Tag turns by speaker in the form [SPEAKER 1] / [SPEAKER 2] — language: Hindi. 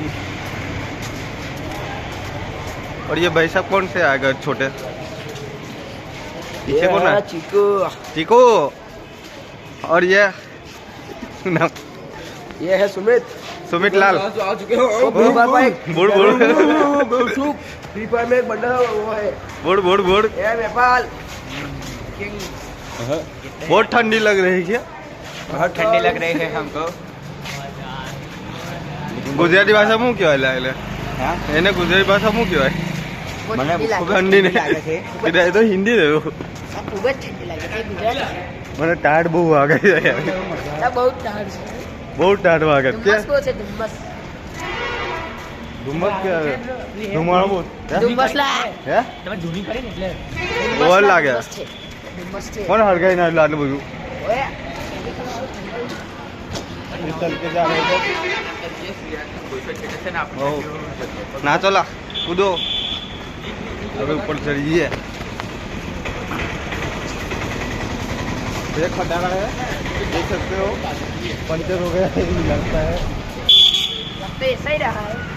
[SPEAKER 1] और ये भाई साहब कौन से आएगा छोटे? पीछे कौन है?
[SPEAKER 2] चीकू।
[SPEAKER 1] चीकू। और ये
[SPEAKER 2] है सुमित।
[SPEAKER 1] सुमित लाल।
[SPEAKER 2] आ चुके हो। बुड़ फ्री फायर में एक बंदा वो है।
[SPEAKER 1] बुड़
[SPEAKER 2] ये नेपाल।
[SPEAKER 1] बहुत ठंडी लग रही है क्या?
[SPEAKER 2] बहुत ठंडी लग रही है हमको।
[SPEAKER 1] गुजराती भाषा मुँ क्यों है?
[SPEAKER 2] हाँ?
[SPEAKER 1] એને ગુજરાતી ભાષા શું કહેવાય?
[SPEAKER 2] મને
[SPEAKER 1] ઠંડી નહીં એ તો હિન્દી રહ્યો.
[SPEAKER 2] ખૂબ જ ઠંડી લાગે છે ગુજરાતી.
[SPEAKER 1] મને ટાઢ બહુ વાગે છે યાર.
[SPEAKER 2] બહુ ટાઢ છે.
[SPEAKER 1] બહુ ટાઢ વાગે છે.
[SPEAKER 2] ધુમ્મસ છે ધુમ્મસ.
[SPEAKER 1] ધુમ્મસ કે ધુમાડો બહુ.
[SPEAKER 2] ધુમ્મસ લા.
[SPEAKER 1] હે?
[SPEAKER 2] તમે ધૂની કરી ને એટલે.
[SPEAKER 1] બહુ લાગે.
[SPEAKER 2] ધુમ્મસ છે.
[SPEAKER 1] કોણ હળગાઈ ના આટલું બધું?
[SPEAKER 2] ઓય.
[SPEAKER 1] चल के जा रहे थे ना चला कूदो अभी ऊपर चढ़िए ब्रेक खड़ा है देख सकते हो पंचर हो गया लगता है
[SPEAKER 2] सही रहा है